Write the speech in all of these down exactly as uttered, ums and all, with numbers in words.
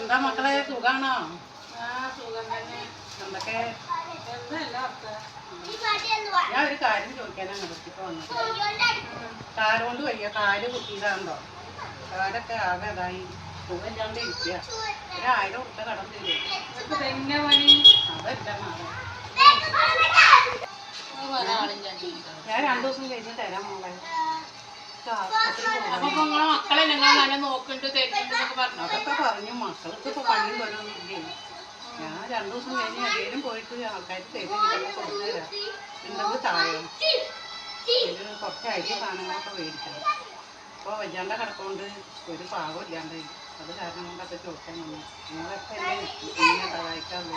എന്താ മക്കളെ സുഖാണോ? എന്തൊക്കെ ഞാൻ ഒരു കാര്യം ചോദിക്കാനാണ് ഇപ്പൊ വന്നത്. കാലുകൊണ്ട് വയ്യ, കാല് കുത്തിയതാണ്ടോ? കാലൊക്കെ ആകെ ഇതായി സുഖമില്ലാണ്ട് ഇരിക്കുക. ഒരായിരം ഉറുപ്പ കടം തരും. അതല്ല നാളെ ഞാൻ രണ്ടു ദിവസം കഴിഞ്ഞ് തരാം മോളെ. മക്കളെ ഞങ്ങൾ നല്ല നോക്കണ്ട് അതൊക്കെ പറഞ്ഞു. മക്കൾക്ക് ഇപ്പൊ പണിയും പോലൊന്നും ഇല്ലേ. ഞാൻ രണ്ടു ദിവസം കഴിഞ്ഞ് എവിടെയും പോയിട്ട് ആൾക്കാർ തരും കൊടുത്തുതരാം. എന്തെങ്കിലും താഴെ ഒരു കുറച്ച് അരി സാധനങ്ങളൊക്കെ മേടിക്കണം. ഇപ്പോൾ വയ്യാണ്ട കിടക്കൊണ്ട് ഒരു പാകം ഇല്ലാണ്ട് അത് കാരണം കൊണ്ടൊക്കെ ചോദിക്കാൻ വന്നു. നിങ്ങളൊക്കെ എന്നെ സഹായിക്കാറുള്ളൂ.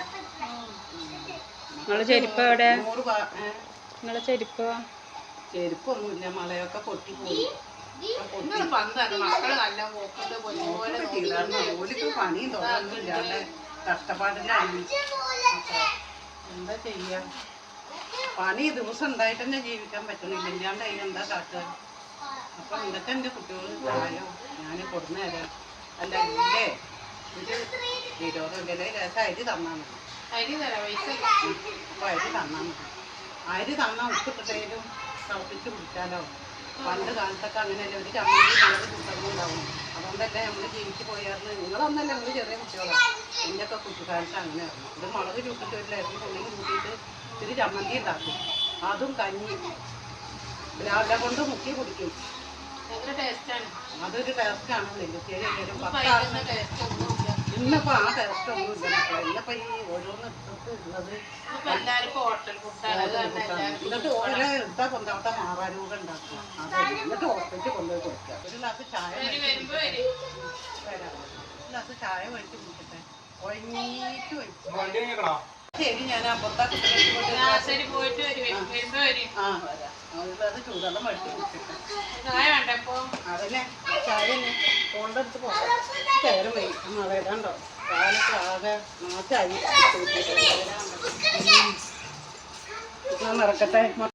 നൂറ് നിങ്ങളെ ചെരുപ്പോ? ചെരുപ്പൊന്നുമില്ല, മലയൊക്കെ പൊട്ടിപ്പോയി. മക്കള് നല്ല നോക്കണ്ട് ഓലിക്ക് പണിയും തോന്നൊന്നും ഇല്ലാണ്ട് കഷ്ടപ്പാടിലാണ്. എന്താ ചെയ്യാ? പണി ദിവസം ഉണ്ടായിട്ട് തന്നെ ജീവിക്കാൻ പറ്റണില്ല. ഇല്ലാണ്ട് അതിന് എന്താ കാട്ടുക? അപ്പൊ ഇതൊക്കെ എൻ്റെ കുട്ടികൾ പ്രായം ഞാൻ കൊടുന്നു തരാം. അല്ല ഇല്ലേ ഒരു ഇരുപതോ ഇല്ലേ രസം അരി തന്നാൽ മതി. അപ്പൊ അരി തന്നാൽ മതി. അരി തന്നാൽ ഉപ്പിട്ടിട്ടേലും തിളപ്പിച്ച് കുടിച്ചാലോ. പണ്ട് കാലത്തൊക്കെ അങ്ങനെയല്ലേ, ഒരു ചമ്മന്തി മുളക് കുട്ടങ്ങളുണ്ടാവും. അതുകൊണ്ടല്ലേ നമ്മൾ ജീവിച്ച് പോയായിരുന്നു. നിങ്ങളൊന്നല്ല, നിങ്ങൾ ചെറിയ കുട്ടികളാണ്. എൻ്റെയൊക്കെ കുട്ടിക്കാലത്ത് അങ്ങനെയായിരുന്നു. ഇത് മുളക് ചൂട്ടിട്ട് ഒരു ലൈഫ് പുള്ളിയും കൂട്ടിയിട്ട് ഇത്തിരി ചമ്മന്തി ഉണ്ടാക്കും. അതും കഞ്ഞി രാവിലെ കൊണ്ട് മുക്കി കുടിക്കും. അതൊരു ടേസ്റ്റാണ്. നെല്ലുത്തേരി വരും ഇന്നിപ്പോൾ ആ ടേസ്റ്റ് ഒന്നും ഇല്ല മക്കളെ. ഇന്നിപ്പോൾ ഈ ഓരോന്ന് എടുത്തിട്ട് ഉള്ളത് എന്നിട്ട് ഓരോ എടുത്താ കൊണ്ടാവട്ടെ മാറാരോഗം ഉണ്ടാക്കുക. അതെ, എന്നിട്ട് ഹോസ്പിറ്റലിൽ കൊണ്ടുപോയി കൊടുക്കുക. ഒരു ഗ്ലാസ് ചായ വരാം, ഒരു ഗ്ലാസ് ചായ മേടിച്ച് കുടിക്കട്ടെ. ഒഴിഞ്ഞിട്ട് വയ്ക്കും. ശരി, ഞാൻ അപ്പുറത്താ പോയിട്ട് ആ വരാം. അത് ചൂടെള്ളം മേടിച്ച് കുടിക്കട്ടെ. അതന്നെ ചായ തന്നെ കൊണ്ടെടുത്ത് പോകാം. ചേരം വയ്ക്കും. മഴയിടാണ്ടോ കാലൊക്കെ ആകെ നാശായി. നടക്കട്ടെ.